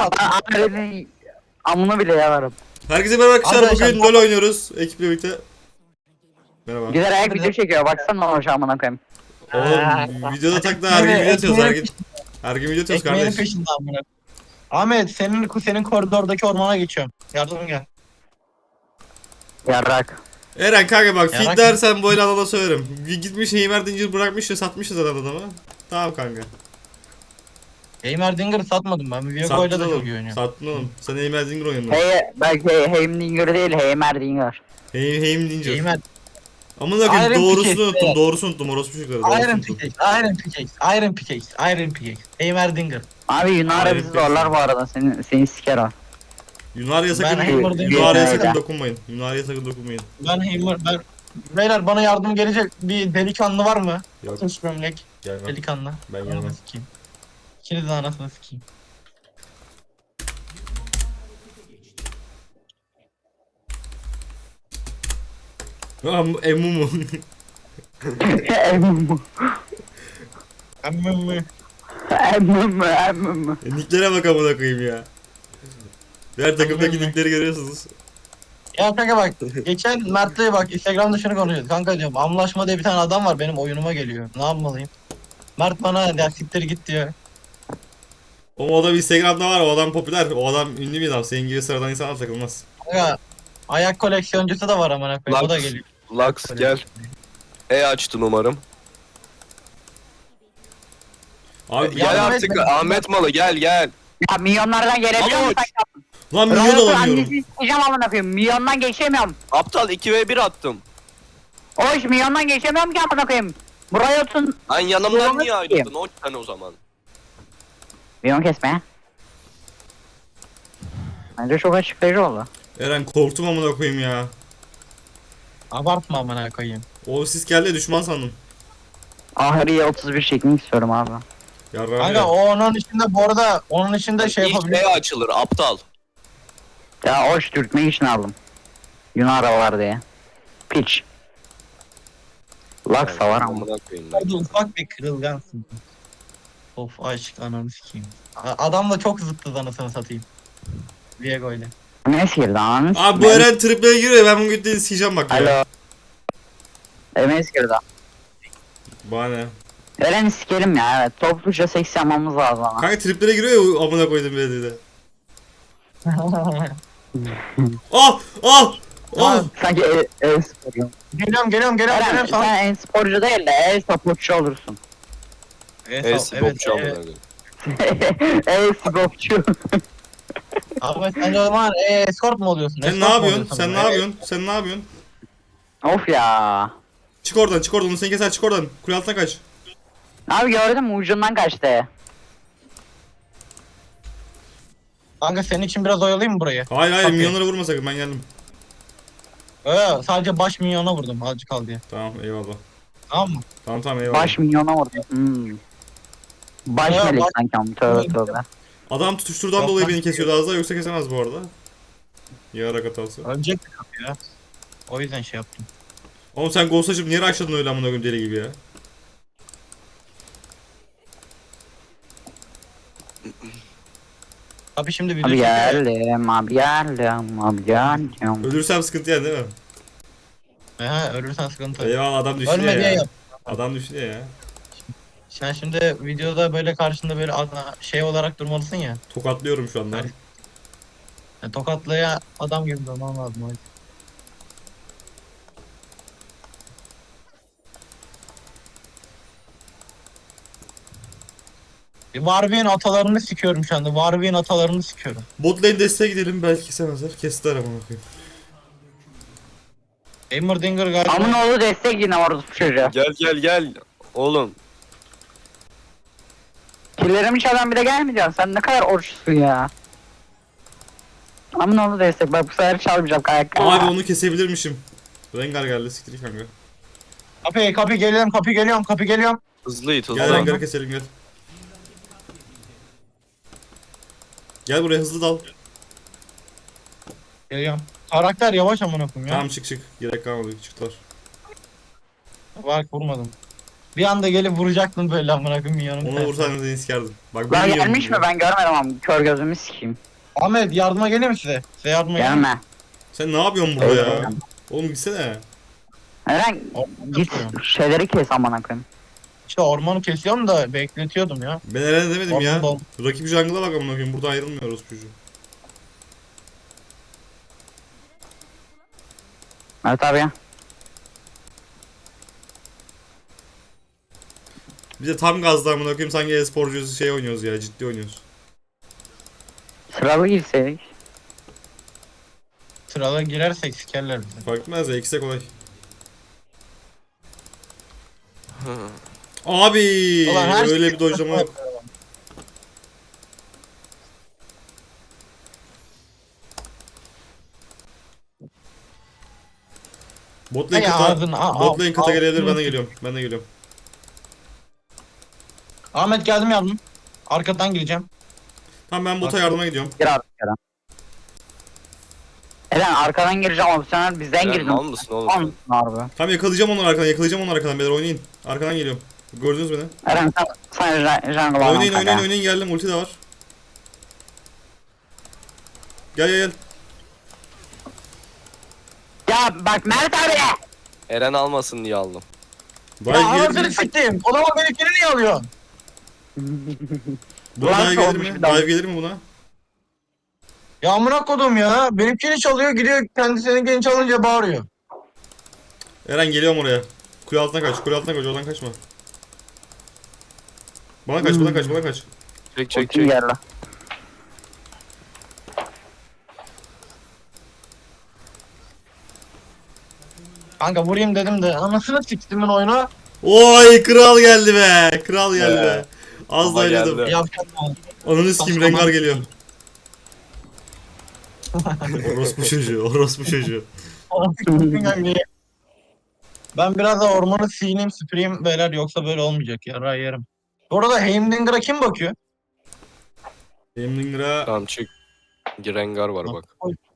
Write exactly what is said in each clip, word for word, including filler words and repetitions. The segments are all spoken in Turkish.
Ahmet'in amını bile yalarım. Herkese merhaba arkadaşlar. Arkadaşlar, Bugün LoL oynuyoruz ekiple birlikte. Merhaba. Güzel ayak video çekiyor. Baksana o şu amına koyayım. Oğlum videoda tak da her gün video atıyoruz her gün. Her gün video atıyoruz Ekmeğinin kardeş. peşinde amına. Ahmet senin senin koridordaki ormana geçiyorum. Yardım gel. Yarrak. Eren kanka bak Yarak- fit dersen böyle adama söylerim. Gitmiş Heimer Dinger bırakmış ya satmışız zaten adamı. Tamam kanka. Heimer Dinger'ı satmadım ben. Viago'yla Sattın da çok iyi oğlum. oynuyor. Sattın oğlum. Sen Heimer Dinger oynadın. Hey, belki Heimdinger değil, Heimerdinger. Hey, Heim Dinger. Heimer, Amına koyayım Iron doğrusunu Pickaxe, unuttum. evet. Doğrusunu unuttum. Orospu çocukları. Doğrusunu Iron unuttum. Pickaxe, Iron Pickaxe, Iron Pickaxe, Iron Pickaxe. Heimer Dinger. Abi Yunara Hayır, bizi peki. zorlar bu arada. Seni, seni siker o. Yunarya sakın, Ben Heimer Dinger'ı Yunarya öyle. sakın dokunmayın. Yunarya sakın dokunmayın. Ben Heimer, ben... Beyler bana yardım gelecek bir delikanlı var mı? Yok. Üç gömlek, Gelmem. delikanlı. Ben Anasını gelmem. sikeyim. İkiniz de anasını sikeyim. Am Emumu. Emmüm. Emmim Emmüm. Emmüm. E, Nicklere bak amına koyayım ya. Diğer takımdaki Emmim. nickleri görüyorsunuz. Ya kanka bak, geçen Mert'le bak Instagram'da şunu konuşuyoruz. Kanka diyorum, Amlaşma diye bir tane adam var benim oyunuma geliyor. Ne yapmalıyım? Mert bana ya siktir git diyor. O adam Instagram'da var, o adam popüler, o adam ünlü bir adam. Senin gibi sıradan insanlar takılmaz. Kanka ayak koleksiyoncusu da var amına koyayım. O da Lux, geliyor. Lux gel. E açtın umarım. Abi Ya- Gel Yardım artık etme. Ahmet Malı gel gel. Ya milyonlardan gelebiliyor musun? lan milyon Riot'un alamıyorum. annesini sikeceğim amına koyayım. Milyondan geçemiyorum. Aptal iki ve bir attım. O iş milyondan geçemiyorum ki amına koyayım. Bu Riot'un Lan yanımdan Yalan niye atayım. ayrıldın? on tane o zaman. milyon kesme. Bence çok açıklayıcı oldu. Eren korktum amına koyayım ya. Abartma amına koyayım. O sis geldi düşman sandım. Ahriye otuz bir çekmek istiyorum abi. Yarrağım Kanka ya. o onun içinde bu arada onun içinde şey İlk yapabilir. E açılır aptal. Ya hoş dürtmek için aldım. Yunara var diye. Piç. Laksa var ama. Amına koyayım ben. Orada ufak bir kırılgansın. Of aşk ananı sikeyim. A- Adam da çok zıttı anasını satayım. Viego ile. Ne sikir lan? Abi bu Eren tripleye giriyor, ben bugün de sikeceğim bak ya. Alo. Eren sikir daha. Bana ne? Eren'i sikerim ya, evet. Topluca seks yapmamız lazım ama. Kanka triplere giriyor ya amına koydum beni de. Ah! Ah! Ah! Sanki e, e sporcu. Geliyorum geliyorum geliyorum Eren geliyorum sana. sen en sporcu değil de e sporcu olursun. Evet, E evet, spopçu amına evet. koyayım. e sporcu. Abi sen o zaman e, escort mu oluyorsun? Sen Escort ne mu yapıyorsun? oluyorsun? Sen ne Evet. yapıyorsun? Sen ne yapıyorsun? Of ya. Çık oradan, çık oradan. Onu seni keser, çık oradan. Kule altına kaç. Abi gördün mü, ucundan kaçtı. Kanka senin için biraz oyalayayım mı burayı? Hayır hayır, Okey. milyonlara vurma sakın, ben geldim. Ee, sadece baş milyona vurdum azıcık kal diye. Tamam eyvallah. Tamam mı? Tamam tamam eyvallah. Baş milyona vurdu. Hmm. Baş Ya, melek baş- sanki ama tövbe tövbe. Adam tutuşturdan Yok dolayı lan. beni kesiyordu az daha, yoksa kesemez bu arada. Yarak hatası. Ölecek bir kapı ya. O yüzden şey yaptım. Oğlum sen ghost açıp niye rushladın öyle amına koyayım deli gibi ya? Abi şimdi video Abi çekiyor. geldim, abi geldim, abi geldim. Ölürsem sıkıntı yani değil mi? He ölürsen sıkıntı. Eyvallah, adam düşünüyor Ölme diye ya. yap. Adam düşünüyor ya. Sen şimdi videoda böyle karşında böyle ana- şey olarak durmalısın ya. Tokatlıyorum şu anda. Hayır. Yani tokatlaya adam gibi durman lazım. Hadi. Warwick'in atalarını sikiyorum şu anda. Warwick'in atalarını sikiyorum. Bot lane desteğe gidelim, belki kesemezler. Kestiler amına koyayım. Heimerdinger galiba. Amın oğlu destek yine orada bu çocuğa. Gel gel gel. Oğlum. Killerimi çalan bir de gelmeyeceksin. Sen ne kadar oruçlusun ya. Amın oğlu destek. Bak bu sefer çalmayacağım kayak. Abi onu kesebilirmişim. Rengar geldi, siktir kanka. Kapı kapı geliyorum kapı geliyorum kapı geliyorum. Hızlı it hızlı. Gel Rengar'ı keselim gel. Gel buraya hızlı dal. Geliyorum. Karakter yavaş amına koyayım ya. Tamam çık çık. Gerek kalmadı, çıktılar. Bak vurmadım. Bir anda gelip vuracaktın böyle amına koyayım yanım. Onu vursan seni sikerdim. Bak Lan bilmiyorum gelmiş mi diyor. ben görmedim ama kör gözümü sikeyim. Ahmet yardıma geleyim mi size? Size yardıma geleyim mi? Gelme. Sen ne yapıyorsun burada ya? Öyle. Oğlum gitsene. Eren git şeyleri kes amına koyayım. İşte ormanı kesiyorum da bekletiyordum ya. Ben Eren'e demedim ya. Orman dol- Rakip jungle'a bak amına koyayım. Burada ayrılmıyoruz çocuğu. Evet abi ya. Bir de tam gazda amına koyayım sanki e-sporcuyuz şey oynuyoruz ya. Ciddi oynuyoruz. Sıralı girseydik. Sırala girersek sikerler bizi. Fark etmez ya. İkisi de kolay. Abi Ulan her öyle şey- bir dojlama yok. Bot lane Hay kata, ağzını, a- bot lane a- kata gelebilir, ben ağzını- de geliyorum. Ben de geliyorum. Ahmet geldim yardım. Arkadan gireceğim. Tamam ben bota Bak- yardıma gidiyorum. Gir artık Eren. Eren arkadan gireceğim opsiyonel bizden Eren girdin. mal mısın oğlum Tamam sen? harbi. Tamam yakalayacağım onları arkadan, yakalayacağım onları arkadan. Beyler oynayın. Arkadan geliyorum. Gördünüz beni. Eren sen, sen jungle jungle al Oynayın kanka. oynayın oynayın geldim. Ulti de var. Gel gel gel. Ya bak Mert abi. Eren almasın diye aldım. Dive Ya gelir anasını mi? siktim. O zaman benimkini niye alıyorsun? Buna Ulan dive gelir olmuş mi? bir daha. Dive gelir mi buna? Ya amına kodum ya. Benimkini çalıyor gidiyor kendisininkini çalınca bağırıyor. Eren geliyorum oraya. Kule altına kaç, kule altına kaç, oradan kaçma. Bana kaç, bana kaç, bana kaç. Çek çek Ultim çek. geldi. Kanka vurayım dedim de anasını siktimin oyunu. Oy kral geldi be. Kral geldi Be. be. Az da Baba oynadım. geldi. Yapacak mı? Ananı sikeyim Saçmalama. Rengar geliyor. Orospu çocuğu, orospu çocuğu. Ben biraz da ormanı sineyim süpüreyim beyler yoksa böyle olmayacak ya ray yerim. Bu arada Heimdinger'a kim bakıyor? Hemlinger'a Tamam çık. Rengar var bak.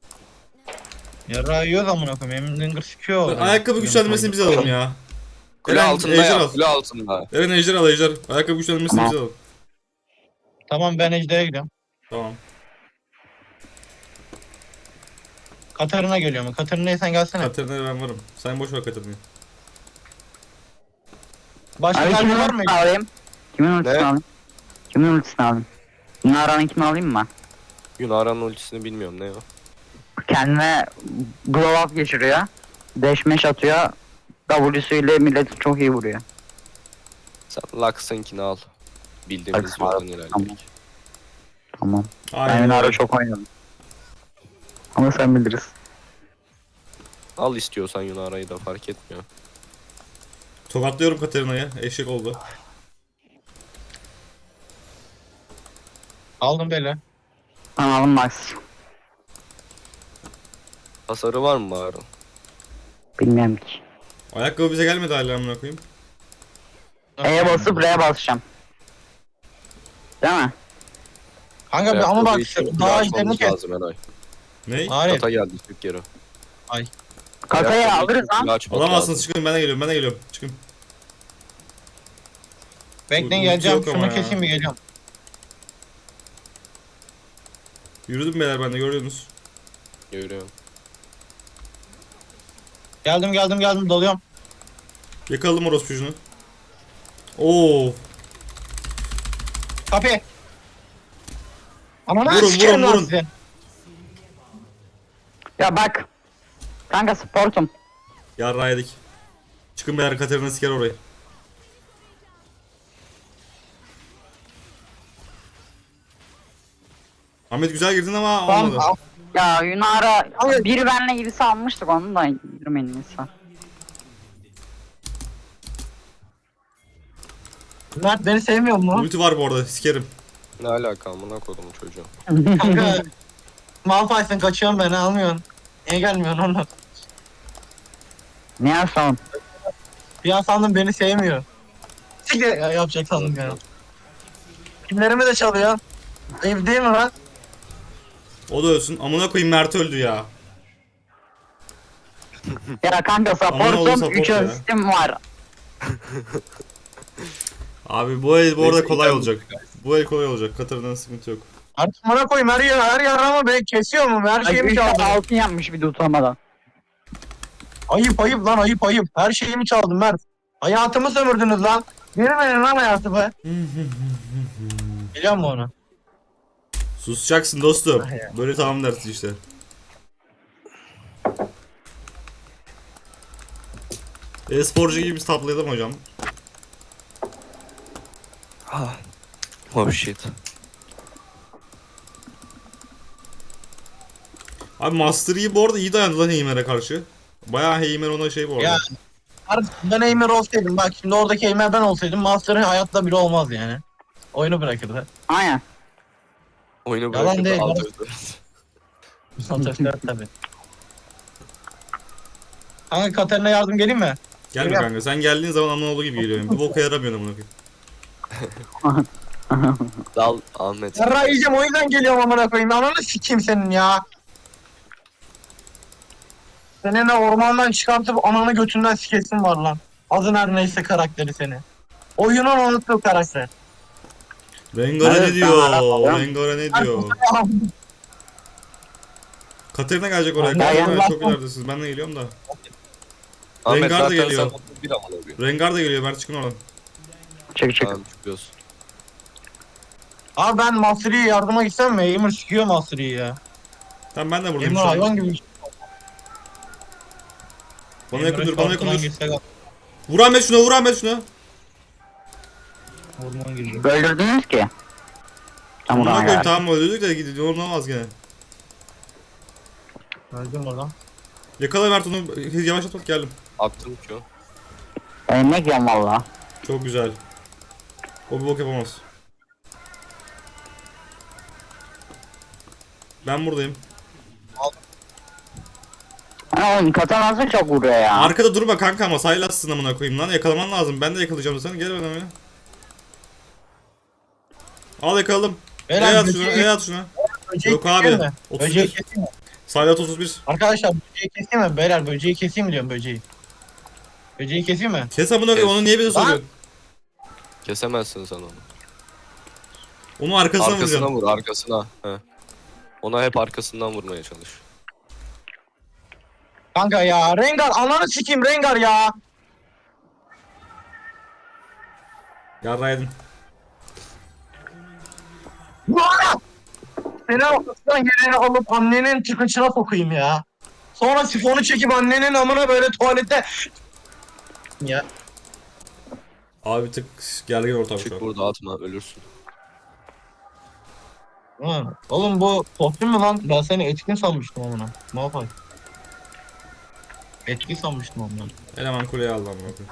Yara yiyoruz amına koyayım. Heimdinger sikiyor. ayakkabı güçlendirmesini biz alalım ya. Kule Eren, altında ejder ya. al. Kule altında. Eren ejder al ejder. Ayakkabı güçlendirmesini Tamam. biz alalım. Tamam ben Ejder'e gidiyorum. Tamam. Katarina geliyor mu? Katarina'ya sen gelsene. Katerina'ya ben varım. Sen boş ver Katerina'yı. Başka Abi gelme kimin var mı? ultisini alayım? Kimin ultisini Ne? alayım? Kimin ultisini alayım? Nara'nın kimi alayım mı? Yunara'nın ultisini bilmiyorum ne o. Kendine glow up geçiriyor. Dash mash atıyor. W'suyla milleti çok iyi vuruyor. Sen Lux'ınkini al. Bildiğimiz Lux yoldan al, ilerledik. tamam. Tamam. Ben Aynen Nara öyle. çok oynadım. Ama sen biliriz. Al istiyorsan Yunara'yı da fark etmiyor. Tokatlıyorum Katerina'ya. Eşek oldu. Aldım beyler. Tamam Max. Hasarı var mı bari? Bilmiyorum ki. Ayakkabı bize gelmedi hala amına koyayım. E'ye basıp R'ye basacağım. Değil mi? Kanka bir ama bak Ayakkabıyı çıkıp daha açmamız izlerini kes. lazım Eray. Ney? Hayır. Kata geldi çık geri. Kasayı Ayakkabıyı alırız çıkıp lan. açmak Alamazsınız lazım. çıkın ben de geliyorum ben de geliyorum. Çıkın. Bekleyin Ulti geleceğim. yok ama Şunu ya. keseyim bir geliyorum. Yürüdüm beyler ben de görüyorsunuz. Görüyorum. Geldim geldim geldim dalıyorum. Yakaladım orospucunu. Oo. Kapı. Ama Vurun, nasıl sikerim vurun, lan vurun. sizi? Ya bak. Kanka sportum. Yarrağı yedik. Çıkın beyler Katerina siker orayı. Ahmet güzel girdin ama Tamam, olmadı. al. Ya Yunara Hayır. biri benle gibisi almıştık onu da girmeyin insan. Mert beni sevmiyor mu? Ulti var bu arada sikerim. Ne alaka amına kodum çocuğu. Kanka. Malphite'sin kaçıyorsun beni almıyorsun. Niye gelmiyorsun onu? Ne yapalım? Bir an sandım beni sevmiyor. Siktir ya, yapacak sandım ya. Kimlerimi de çalıyor. Ayıp değil mi lan? O da ölsün. Amına koyayım Mert öldü ya. Ya kanka Aman oğlum supportum support üç ya. asistim var. Abi bu el bu arada Neyse, kolay iyi olacak. Bu el kolay olacak. Katar'dan sıkıntı yok. Artık bana koyayım her yer her yer ama beni kesiyor mu? Her Ay, şeyimi üç çaldı. altın yapmış bir de utanmadan. Ayıp ayıp lan ayıp ayıp. Her şeyimi çaldın Mert. Hayatımı sömürdünüz lan. Girmeyin lan hayatımı. Biliyor musun onu? Susacaksın dostum. Ah ya. Böyle tamam dersin işte. E-sporcu gibi biz taplayalım hocam. Ah. Oh shit. Abi Master Yi bu arada iyi dayandı lan Heimer'e karşı. Bayağı Heimer ona şey bu arada. Ya. Artık ben Eymer olsaydım bak şimdi oradaki Eymer ben olsaydım Master'ın hayatta bile olmaz yani. Oyunu bırakırdı. Aynen. Oyunu Yalan bırakıp değil, alt yalan. öldü. Satışlar tabii. Kanka Katarina yardım geleyim mi? Gelme Gel. kanka sen geldiğin zaman Amanoğlu gibi geliyorum. Bir boka yaramıyor amına koyayım. Dal Ahmet. Yarra yiyeceğim o yüzden geliyorum amına koyayım. Ananı sikeyim senin ya. Senin de ormandan çıkartıp ananı götünden sikesin var lan. Adın her neyse karakteri seni. Oyunun unuttuğu karakter. Rengar'a Evet, ne diyor? ben hala- Rengar'a ne diyor? Katerina gelecek oraya. Ben Katerina geldim. çok ileridesiniz. Ben de geliyorum da. Ahmet Rengar da zaten geliyor. sen otuz bir amına koyayım. Rengar da geliyor. Mert çıkın oradan. Çık çık. Tamam çıkıyoruz. Abi ben Mastery'ye yardıma gitsem mi? Aimer sikiyor Mastery'yi ya. Tamam ben de buradayım Aimer şu hayvan an. gibi. Bana yakın dur, bana yakın dur. dur. Vur Ahmet şuna, vur Ahmet şuna. Orman giriyor. Öldürdünüz ki. Tam Buna buraya koyayım geldi. tamam öldürdük de gidiyor. Olmaz gene. Öldüm oradan. Yakala Mert onu. Yavaşlat bak geldim. Attım ki o. Ben ne diyorum valla. Çok güzel. O bir bok yapamaz. Ben buradayım. Ha oğlum katanası çok vuruyor ya. Arkada durma kanka ama saylatsın amına koyayım lan. Yakalaman lazım. Ben de yakalayacağım sen. Gel bana ya. Al yakaladım. E Beyler, at böceği- şuna, e at şuna. Böceği Yok abi. keseyim mi? Böceği otuz bir. keseyim mi? Saylat otuz bir. Arkadaşlar böceği keseyim mi? Beyler böceği keseyim mi diyorum böceği. Böceği keseyim mi? Kes amına koyayım. Kes. Onu niye bize soruyorsun? Kesemezsin sen onu. Onu arkasına Arkasına vuracaksın. vur arkasına. He. Ona hep arkasından vurmaya çalış. Kanka ya Rengar ananı sikeyim Rengar ya. Yarraydın. Vaa! Seni ortasından geleni alıp annenin çıkışına sokayım ya. Sonra sifonu çekip annenin amına böyle tuvalette. Ya. Abi bir tık gergin ortam şu Çık an. burada atma ölürsün. Hı. Oğlum bu kostüm mü lan? Ben seni etkin sanmıştım amına. Ne yapayım? Etkin sanmıştım amına. Eleman kuleye aldı amına koyayım.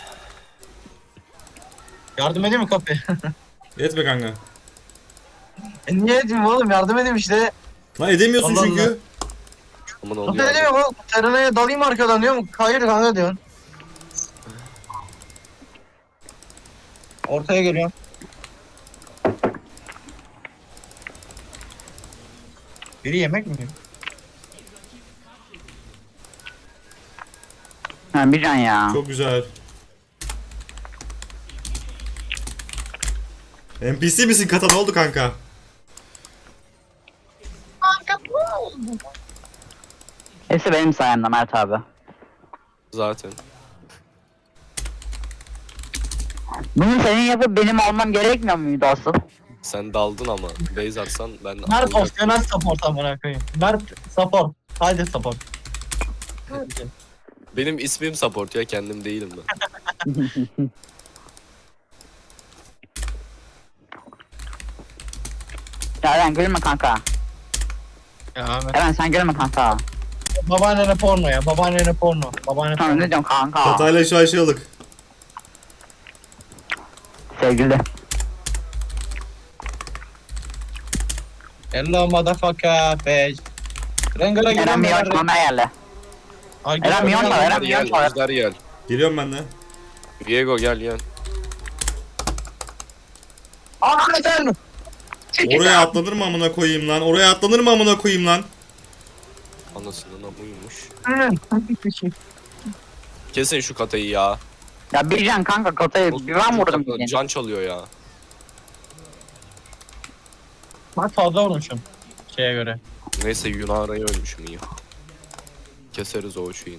Yardım edeyim mi kapı? Yetme kanka. e niye edeyim oğlum? Yardım edeyim işte. Lan edemiyorsun Allah çünkü. Allah. Aman Nasıl oluyor. edeyim oğlum? Serena'ya dalayım arkadan diyorum. Hayır kanka diyorsun. Ortaya geliyorum. Biri yemek mi yiyor? Ha bir can ya. Çok güzel. N P C misin kata ne oldu kanka? Hepsi benim sayemde Mert abi. Zaten. Bunu senin yapıp benim almam gerekmiyor muydu asıl? Sen daldın ama. Base atsan ben Mert alacaktım. opsiyonel support amına koyayım. Mert support. Haydi support. Benim ismim support ya kendim değilim ben. Ya Eren gülme kanka. Ya Ahmet. Eren sen gülme kanka. Babaannene porno ya. Babaannene porno. Babaanne Tamam porno. ne diyorsun kanka? Katayla şu an şey olduk. Sevgili. Hello motherfucker bitch. Rengar'a Eren giren bir beyler. yarışmama yerle. Ay, Eren gel, Mion gel, da, gel. Eren Gel, Mion da. Ejder gel. Geliyorum ben de. Diego gel gel. Ahmet'en. Oraya atlanır mı amına koyayım lan? Oraya atlanır mı amına koyayım lan? Anasının amıymış. Hı. Kesin şu katayı ya. Ya bir can kanka kotayı bir ben vurdum. Can- bir Can çalıyor ya. Ben fazla vurmuşum. Şeye göre. Neyse Yunara'yı ölmüşüm iyi. Keseriz o işi yine.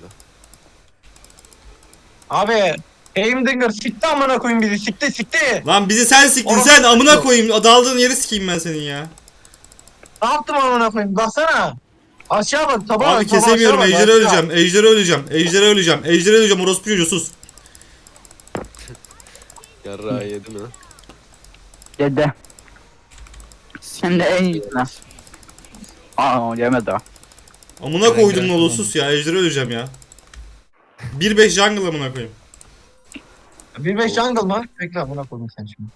Abi Heimdinger sikti amına koyayım bizi sikti sikti. Lan bizi sen siktin Orası- sen amına koyayım. Daldığın yeri sikeyim ben senin ya. Ne yaptım amına koyayım baksana. Aşağı bak tabağa Abi bak, tabağa kesemiyorum. aşağı bak, Ejder'e aşağı. öleceğim. Ejder'e öleceğim. Ejder'e öleceğim. Ejder'e öleceğim. Orospu çocuğu sus. Yarrağı yedi mi? Yedi. Hem de en iyisine. Aa yemedi o. Amına koydum gerek Nolo yok. sus ya. Ejder'e öleceğim ya. bir beş jungle amına koyayım. Bir beş jungle mı? Bekle amına koyayım sen şimdi.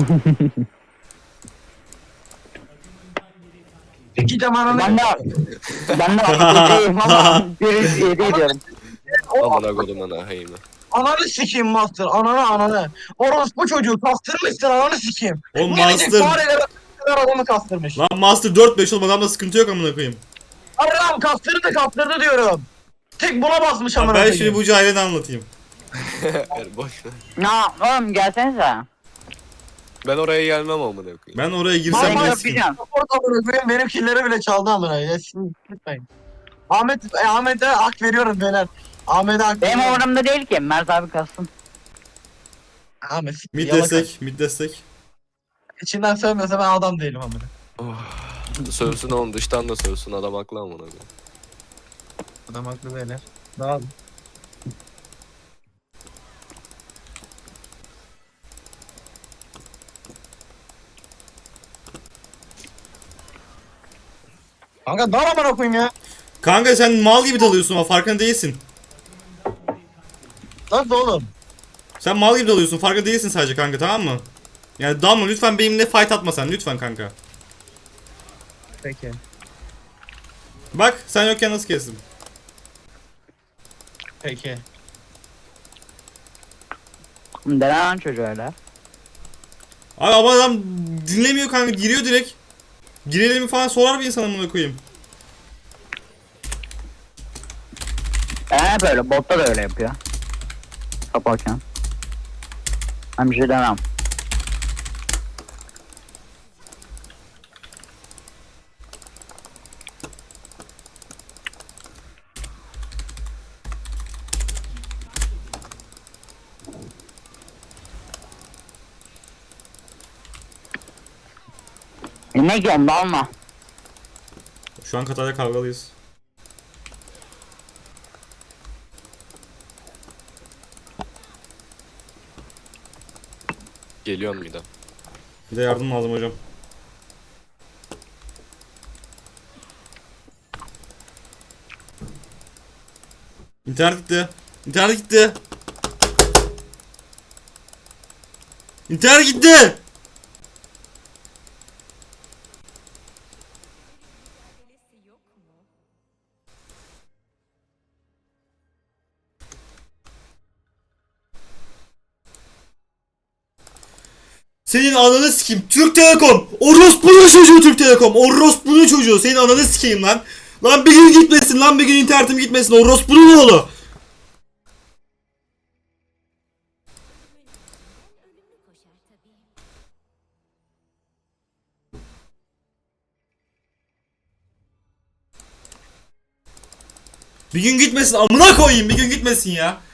İki zamanını... Ben de ben de yediyim ama bir yedi diyorum. Amına kodum ana heyimi. Ananı sikeyim Master, ananı ananı. Orospu çocuğu kastırmışsın ananı sikeyim. Oğlum Minicik Master. fareler kadar adamı kastırmış. Lan Master dört beş oğlum adamda sıkıntı yok amına koyayım. Allah'ım kastırdı kastırdı diyorum. Tek buna basmış Lan amına ben koyayım. şimdi bu cahilini anlatayım. Yani boş ver. Ya oğlum gelsenize. Ben oraya gelmem amına koyayım. Ben oraya girsem Vallahi bile Sen sikeyim. yapacaksın. Orada amına koyayım benim killeri bile çaldı amına koyayım. Şimdi gitmeyin. Ahmet, e, Ahmet'e hak veriyorum beyler. Ahmet'e hak Benim veriyorum. umurumda değil ki. Mert abi kalsın. Ahmet siktir, Mid yalaka. destek, mid destek. İçinden sövmüyorsa ben adam değilim amına. Oh. Sövsün oğlum dıştan da sövsün adam haklı amına koyayım. Adam haklı beyler. Daha Kanka dar amına koyayım ya. Kanka sen mal gibi dalıyorsun ama farkında değilsin. Nasıl oğlum? Sen mal gibi dalıyorsun farkında değilsin sadece kanka tamam mı? Yani dalma lütfen benimle fight atma sen lütfen kanka. Peki. Bak sen yokken nasıl kestim. Peki. Denen çocuğu öyle. Abi ama adam dinlemiyor kanka giriyor direkt. Girelim mi falan sorar bir insan amına koyayım. Ee böyle botta da öyle yapıyor. Kaparken. Ben bir şey demem. E ne diyorsun dalma. Şu an Katar'da kavgalıyız. Geliyorum bir de. Bir de yardım lazım hocam. İnternet gitti. İnternet gitti. İnternet gitti. Senin ananı sikeyim. Türk Telekom. Orospu'nun çocuğu Türk Telekom. Orospu'nun çocuğu. Senin ananı sikeyim lan. Lan bir gün gitmesin lan bir gün internetim gitmesin. Orospu'nun oğlu. Bir gün gitmesin amına koyayım bir gün gitmesin ya.